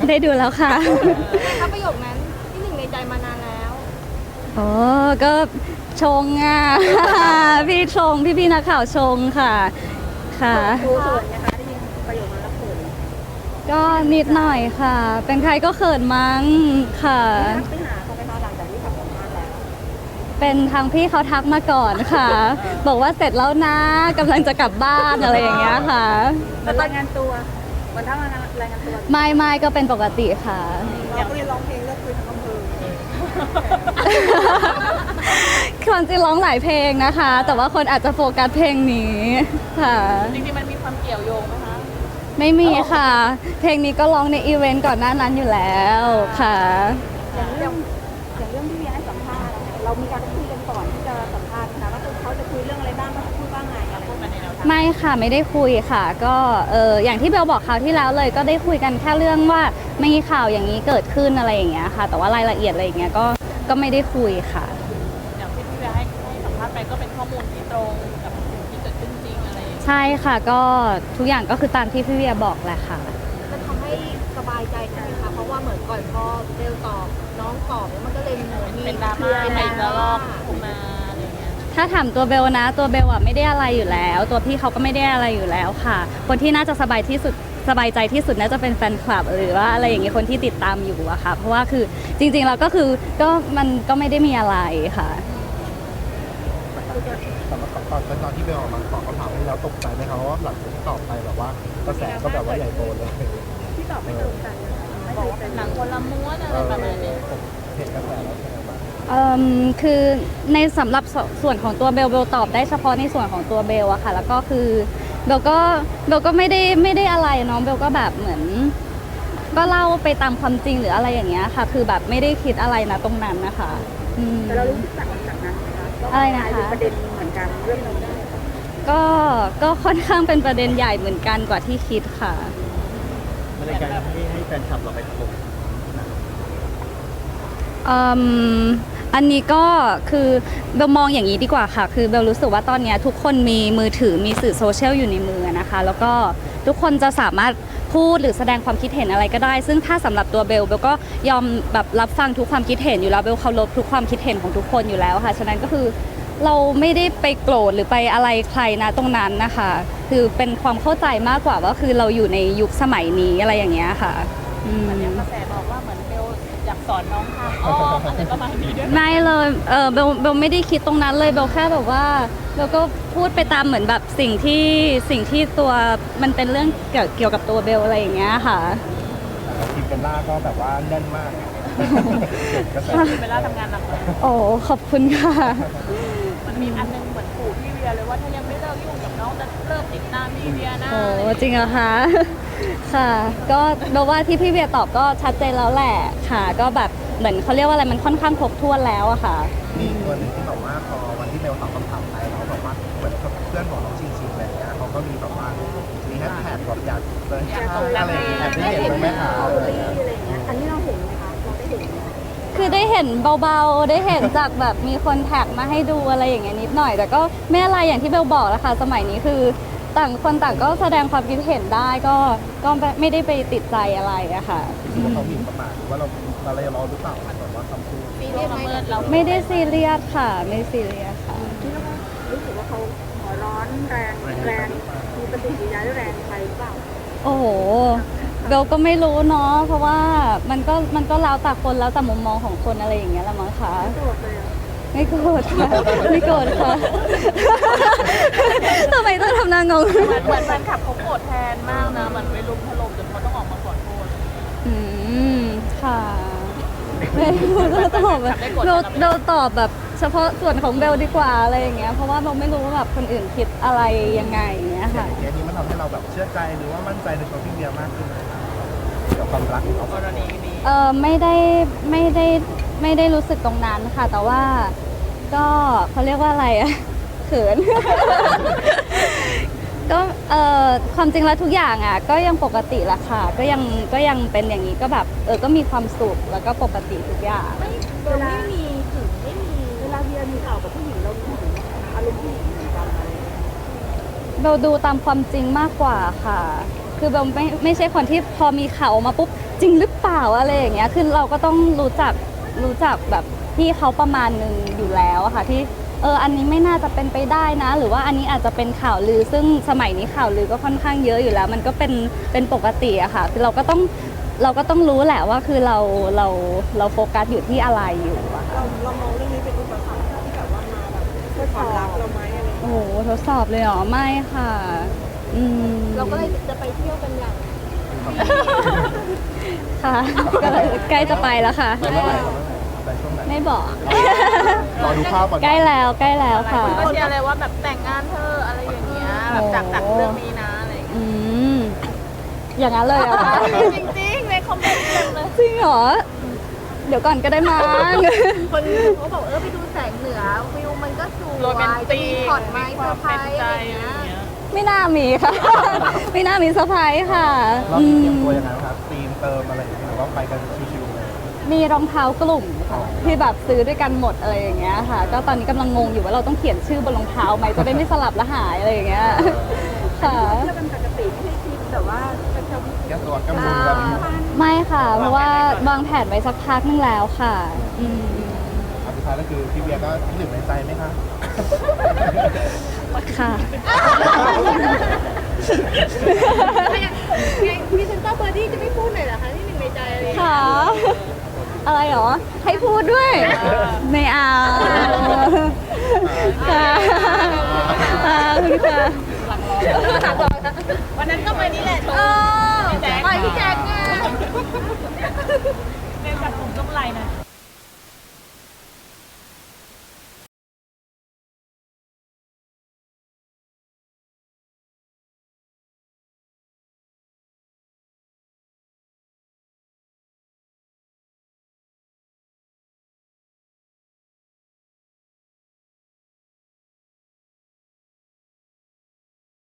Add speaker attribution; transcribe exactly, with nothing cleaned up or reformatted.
Speaker 1: ได้ดูแล้วค่ะ
Speaker 2: ถ้าประโยคนั้นที่หนึ่งในใจมานานแล้ว
Speaker 1: โอ้ก็ชงอ่ะ พี่ชงพี่พี่นักข่าวชงค่ะค่ะ
Speaker 2: ครูเขินนะคะได้ยินประโยคนั้นแล้วเขิน
Speaker 1: ก็นิดหน่อยค่ะ เป็นใครก็เขินมั้งค่ะ
Speaker 2: ไปหาเขาไปหาหลังจากที่ทำงานแล้ว
Speaker 1: เป็นทางพี่เขาทักมาก่อนค่ะ บอกว่าเสร็จแล้วนะกำลังจะกลับบ้านอะไรอย่างเงี้ยค่ะ
Speaker 2: มันรายงานตัววันทั้งรายงานตัว
Speaker 1: ไม่ไม่ก็เป็นปกติค่ะ
Speaker 2: อยากเรียนร้องเพลงก็คือทั้งอำเภอ
Speaker 1: ความจริงร้องหลายเพลงนะคะ แต่ว่าคนอาจจะโฟกัสเพลงนี้ค่ะ
Speaker 2: จริงๆมันมีความเกี่ยวโยงไหมคะ
Speaker 1: ไม่มีค่ะ เพลงนี้ก็ร้องในอีเวนต์ก่อนหน้านั้นอยู่แล้วค่ะ
Speaker 2: อย่างเรื่องอย่างเรื่องที่มีให้สัมภาษณ์เรามีการคุยกันก่อนที่จะสัมภาษณ์นะว่าเขาจะคุยเรื่องอะไรบ้างเขาพูดว่าไงอะไรพวกนั้นในแนวทาง
Speaker 1: ไม่ค่ะไม่ได้คุยค่ะ ก็เอออย่างที่เบลบอกคราวที่แล้วเลย ก็ได้คุยกันแค่เรื่องว่ามีข่าวอย่างนี้เกิดขึ้นอะไรอย่างเงี้ยค่ะ แต่ว่ารายละเอียดอะไรอย่างเงี้ยก็ก็ไม่ได้คุยค่ะ
Speaker 2: อย่างที่พี่เบลให้ให้สัมภาษณ์ไปก็เป็นข้อมูลที่ตรงกับสิ่งที่เกิดขึ้นจริงอะไรอย่างเงี้ย
Speaker 1: ใช่ค่ะก็ทุกอย่างก็คือตามที่พี่เวียบอกแหละค่ะ
Speaker 2: มันทำให้สบายใจใช่ไหมคะเพราะว่าเหมือนก่อนพอเบลตอบน้องตอบแล้วมันก็เลยเหมือนมี
Speaker 3: เป็นดราม่าเป็นดราม่าขึ้นมาอะไรเงี้ย
Speaker 1: ถ้าถามตัวเบลนะตัวเบลอะไม่ได้อะไรอยู่แล้ว ตัวพี่เขาก็ไม่ได้อะไรอยู่แล้วค่ะ คนที่น่าจะสบายที่สุดสบายใจที่สุดน่าจะเป็นแฟนคลับหรือว่าอะไรอย่างเงี้ยคนที่ติดตามอยู่อะค่ะเพราะว่าคือจริงๆเราก็คือก็มันก็ไม่ได้มีอะไรค่ะ
Speaker 4: สำหรับตอนตอนที่เบลออกมาตอบคำถามให้เราตกใจไหมครับว่าหลังจากที่ตอบไปแบบว่ากระแสก็แบบว่าใหญ่โตเลย
Speaker 2: ที่ตอบไม่ตรงกัน
Speaker 3: บอกว่าเป็นหนังคนละม้วนอะไรประมาณนี้
Speaker 4: เห็นกระแสแล้วใช่ไหมบ้าง
Speaker 1: เอ่อคือในสำหรับส่วนของตัวเบลเบลตอบได้เฉพาะในส่วนของตัวเบลอะค่ะแล้วก็คือเบลก็เบลก็ไม่ได้ไม่ได้อะไรเนาะเบลก็แบบเหมือนก็เล่าไปตามความจริงหรืออะไรอย่างเงี้ยค่ะคือแบบไม่ได้คิดอะไรนะตรงนั้นนะคะ
Speaker 2: แต่เรารู้สึกจากจากนั้นไหมคะ
Speaker 1: อะไรนะคะ
Speaker 2: ประเด็นเหมือนกันเรื่องนี้
Speaker 1: ก็ก็ค่อนข้างเป็นประเด็นใหญ่เหมือนกันกว่าที่คิดค่ะ
Speaker 4: มันในการให้ให้แฟนคลับเราไปถล่ม
Speaker 1: อืมอันนี้ก็คือเบลมองอย่างนี้ดีกว่าค่ะคือเบลรู้สึกว่าตอนนี้ทุกคนมีมือถือมีสื่อโซเชียลอยู่ในมือนะคะแล้วก็ทุกคนจะสามารถพูดหรือแสดงความคิดเห็นอะไรก็ได้ซึ่งถ้าสำหรับตัวเบลเบลก็ยอมแบบรับฟังทุกความคิดเห็นอยู่แล้วเบลเคารพทุกความคิดเห็นของทุกคนอยู่แล้วค่ะฉะนั้นก็คือเราไม่ได้ไปโกรธหรือไปอะไรใครนะตรงนั้นนะคะคือเป็นความเข้าใจมากกว่าว่าคือเราอยู่ในยุคสมัยนี้อะไรอย่างเงี้ยค่ะ
Speaker 3: เหมือนกระแสบอกว่าเหมือนเบลอยากสอนน้องทางอ้อมอะไรประมาณนี้ด้วย
Speaker 1: ไม่เลยเออเบลเบลไม่ได้คิดตรงนั้นเลยเบลแค่แบบว่าเบลก็พูดไปตามเหมือนแบบสิ่งที่สิ่งที่ตัวมันเป็นเรื่องเกี่ยวเกี่ยวกับตัวเบลอะไรอย่างเงี้ยค่ะ
Speaker 4: ทีมเบลล่าก็แบบว่าแน่นมากกระแส
Speaker 3: เบลล่าทำงานหนักเลย
Speaker 1: โอ้ขอบคุณค่ะ
Speaker 3: มันมีอันนึงเหมือนขู่พี่เวียเลยว่าถ้ายังไม่เลิกยุ่งกับน้องจะเลิกติดตามพี่เวียนะ
Speaker 1: โอ้จริงเหรอคะค่ะก็เบลว่าที่พี่เวียตอบก็ชัดเจนแล้วแหละค่ะก็แบบเหมือนเขาเรียกว่าอะไรมันค่อนข้างครบถ้วนแล้วอะค่ะ
Speaker 4: มีตัวนึงที่บอกว่าพอวันที่เบลตอบคำถามไปเราบอกว่าเหมือนเพื่อนบอกน้องชิงชิงอะไรเงี้ยเขาก็มีแบบว่ามีแฮชแท็กแบบอยากเลยอะไรอย่างเงี้ยได้เห็นไหมคะอะไรเงี้ย
Speaker 2: อันนี้เราเห็นไหมคะเราได้เห็น
Speaker 1: คือได้เห็นเบาๆได้เห็นจากแบบมีคนแท็กมาให้ดูอะไรอย่างเงี้ยนิดหน่อยแต่ก็ไม่อะไรอย่างที่เบลบอกแล้วค่ะสมัยนี้คือต่างคนต่างก็แสดงความคิดเห็นได้ก็ก็ไม่ได้ไปติดใจอะไรอะค่ะ
Speaker 4: ว่าเขาหมิ่นประมาทหรือว่าเราเราเลยรอหรือเปล่าแบบว่าคำพูด
Speaker 3: ซีเรียสไหมเรา
Speaker 1: ไม่ได้ซีเรียสค่ะไม่ซีเรียสค่ะ
Speaker 2: รู้สึกว่าเขาหัวร้อนแรงแรงมีปฏิกิริยาแรงไปหรือเปล่า
Speaker 1: โอ้โหเบลก็ไม่รู้เนาะเพราะว่ามันก็มันก็แล้วแต่คนแล้วแต่มุมมองของคนอะไรอย่างเงี้ยละมั้งคะไม่โกรธค่ะไม่โกรธค่ะทำไมต้องทำหน้างง
Speaker 3: เหมือนแฟนคลับเขาโกรธแทนมากนะมันไปลุมถล่มจนเขาต้องออกมาขอโทษ
Speaker 1: อืมค่ะไม่รู้จะตอบแบบเบลเบลตอบแบบเฉพาะส่วนของเบลดีกว่าอะไรอย่างเงี้ยเพราะว่าเราไม่รู้ว่าแบบคนอื่นคิดอะไรยังไงอย่างเงี้ยค่ะ
Speaker 4: เคสนี้มันทำให้เราแบบเชื่อใจหรือว่ามั่นใจในตัวพี่เบียร์มากขึ้นไหมกับความรักของเขา
Speaker 3: กรณีนี้
Speaker 1: เออไม่ได้ไม่ได้ไม่ได้รู้สึกตรงนั้นค่ะแต่ว่าก็เขาเรียกว่าอะไรอะเขินก็เออความจริงแล้วทุกอย่างอ่ะก็ยังปกติละค่ะก็ยังก็ยังเป็นอย่างนี้ก็แบบเออก็มีความสุขแล้วก็ปกติทุกอย่าง
Speaker 2: เวลาไม่มีถึงไม่มีเวลาเบียร์มีข่าวกับผู้หญิงเรามีอารมณ์ผู้หญิงเหมือนกันอะไร
Speaker 1: เราดูตามความจริงมากกว่าค่ะคือเบลไม่ไม่ใช่คนที่พอมีข่าวออกมาปุ๊บจริงหรือเปล่าอะไรอย่างเงี้ยคือเราก็ต้องรู้จักรู้จักแบบพี่เขาประมาณหนึ่งอยู่แล้วอะค่ะที่เอออันนี้ไม่น่าจะเป็นไปได้นะ หรือว่าอันนี้อาจจะเป็นข่าวลือ ซึ่งสมัยนี้ข่าวลือก็ค่อนข้างเยอะอยู่แล้ว มันก็เป็นเป็นปกติอะค่ะคือเราก็ต้องเราก็ต้องรู้แหละว่าคือเราเราเราโฟกัสอยู่ที่อะไรอยู่อะค่ะ
Speaker 2: เราเรามองเรื่องนี้เป็นอุปสรรคที่แบบว่ามาแบบเพื่อความรักเราไหมอะไรอย่างเงี้ย
Speaker 1: โอ้โหทดสอบเลยเหรอไม่ค่ะอืม
Speaker 2: เราก็เลยจะไปเที่ยวกันอย่าง
Speaker 1: ค่ะก็เลยใกล้จะไปแล้วค่ะ
Speaker 4: ไปเมื่อไหร่ไปช่วงไหน
Speaker 1: ไม่บอก
Speaker 4: รอดูภาพก่อน
Speaker 1: ใกล้แล้วใกล้แล้วค่ะ
Speaker 3: ก็เชียร์เลยว่าแบบแต่งงานเธออะไรอย่างเงี้ยแบบจากจากเรื่องนี้นะอะไรอย่างเงี้ย
Speaker 1: อืมอย่างนั้นเลยเหรอคะ
Speaker 3: จริงๆในคอมเมนต์เต็มเลย
Speaker 1: จริงเหรอ เดี๋ยวก่อนก็ได้มั้ง
Speaker 2: คนเขาบอกเออไปดูแสงเหนือวิวมันก็สวย
Speaker 3: โรแมน
Speaker 2: จะ
Speaker 3: ติ
Speaker 2: มี
Speaker 3: ก
Speaker 2: ช็อตไม้
Speaker 3: มี
Speaker 2: เซ
Speaker 3: ค
Speaker 2: อ
Speaker 3: วาม
Speaker 2: ร์ไพร
Speaker 3: เป็น
Speaker 2: ส์
Speaker 3: ใจ
Speaker 2: อะไรอย่าง
Speaker 3: อ
Speaker 2: เงี้ย
Speaker 3: ย่างเงี้ย
Speaker 1: ไม่น่ามีค่ะ ไม่น่ามีเซอร์ไพรส์ค่ะ
Speaker 4: เรา
Speaker 1: อื
Speaker 4: มีเตรียม
Speaker 1: ม
Speaker 4: ตัวยังไงครับธีมเติมอะไรอย่างเงี้ยหรือว่าไปกันชิวๆเลย
Speaker 1: มีรองเท้ากลุ่มค่ะที่แบบซื้อด้วยกันหมดอะไรอย่างเงี้ยค่ะ ก็ตอนนี้กำลังงงอยู่ว่าเราต้องเขียนชื่อบนรองเท้าไหมจะได้ไม่สลับและหายอะไรอย่างเงี้ยค่ะ
Speaker 2: เที่ยวกันปกติไม่ใช่ทริปแต่ว่าไปเที่ยว
Speaker 4: แก้ตัวกำลังแบบนี้
Speaker 1: ไม่ค่ะ เพราะว่าวางแผนไว้สักพักนึงแล้วค่ะ อืม
Speaker 4: อันสุดท้ายก็คือพี่เบียร์ก็ที่หนึ่งในใจไหมคะ
Speaker 1: ค่ะ
Speaker 2: พรีเซนเตอร์เบอร์ดี้จะไม่พูดหน่อยเหรอคะที่หนึ่งในใจอะไรอย่างเงี้ย
Speaker 1: ค่ะ อะไรหรอ ให้พูดด้วย ไม่เอาค่ะค่ะคุณค่ะ
Speaker 3: วันนั้นก็ไปนี่แหละโช
Speaker 2: เอ
Speaker 3: ว์
Speaker 2: อ
Speaker 3: พี่แจ๊ค
Speaker 2: ไปพี่แจ๊คไง
Speaker 3: เป็นแบบผมกำไรนะ